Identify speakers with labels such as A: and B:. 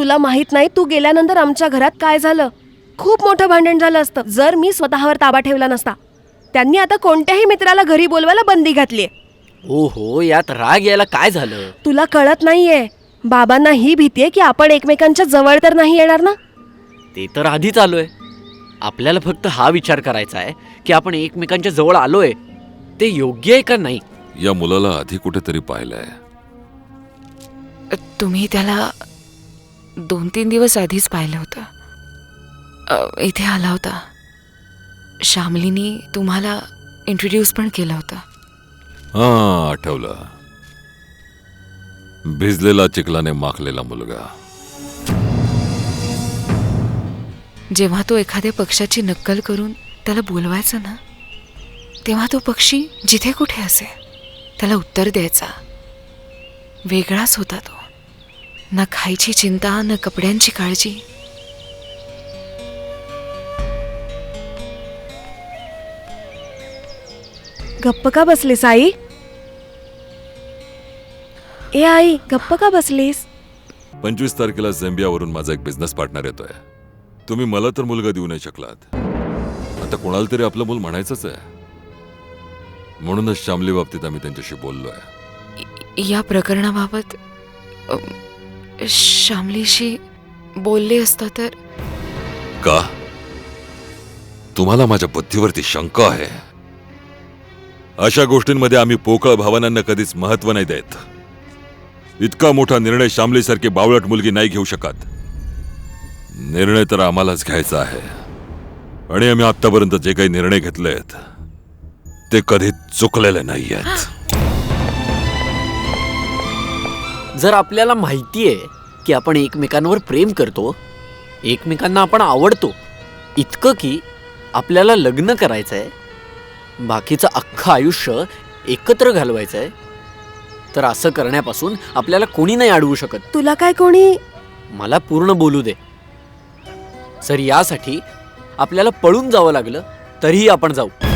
A: तुला माहित नाही तू गेल्यानंतर आमच्या घरात काय झालं. खूप मोठं भांडण झालं असतं जर मी स्वतःवर ताबा ठेवला नसता. त्यांनी आता कोणत्याही मित्राला घरी बोलवायला बंदी घातलीये.
B: हो, यात राग यायला काय झालं?
A: तुला कळत नाहीये, बाबांना ही भीती आहे की आपण एकमेकांच्या जवळ तर नाही येणार ना.
B: ते तर आधीच आलोय. आपल्याला फक्त हा विचार करायचा आहे की आपण एकमेकांच्या जवळ आलोय ते योग्य आहे का नाही.
C: या मुलाला आधी कुठेतरी पाहिलंय.
D: तुम्ही त्याला 2-3 दिवस आधीच पाहिलं होतं. इथे आला होता. श्यामलीनी तुम्हाला इंट्रोड्यूस पण केलं होतं.
C: हा, आठवलं. भिजलेला चिखलाने माखलेला मुलगा.
D: जेव्हा तो एखाद्या पक्षाची नक्कल करून त्याला बोलवायचा ना, तेव्हा तो पक्षी जिथे कुठे असे त्याला उत्तर द्यायचा. वेगळाच होता तो. ना खायची चिंता, ना कपड्यांची काळजी.
A: गप्प का बसलीस आई? ए आई, गप्प का बसलीस?
C: 25 तारखेला झेंबियावरून माझा एक बिझनेस पार्टनर येतोय. तुम्ही मला तर मुलगा देऊ नाही शकलात. आता कोणाला तरी आपलं मूल म्हणायचंच आहे. म्हणूनच श्यामली बाबतीत आम्ही त्यांच्याशी बोललोय.
D: या प्रकरणाबाबत श्यामलीशी बोलले असता तर.
C: का तुम्हाला माझ्या बुद्धीवरती शंका आहे? अशा गोष्टींमध्ये आम्ही पोकळ भावनांना कधीच महत्व नाही देत. इतका मोठा निर्णय श्यामलीसारखी बावळट मुलगी नाही घेऊ शकत. निर्णय तर आम्हालाच घ्यायचा आहे. आणि आम्ही आतापर्यंत जे काही निर्णय घेतलेत ते कधी चुकलेले नाहीयेत.
B: जर आपल्याला माहिती आहे की आपण एकमेकांवर प्रेम करतो, एकमेकांना आपण आवडतो, इतकं की आपल्याला लग्न करायचंय, बाकीचं अख्खं आयुष्य एकत्र घालवायचंय, तर असं करण्यापासून आपल्याला कोणी नाही अडवू शकत.
A: तुला काय कोणी?
B: मला पूर्ण बोलू दे. जर यासाठी आपल्याला पळून जावं लागलं तरीही आपण जाऊ.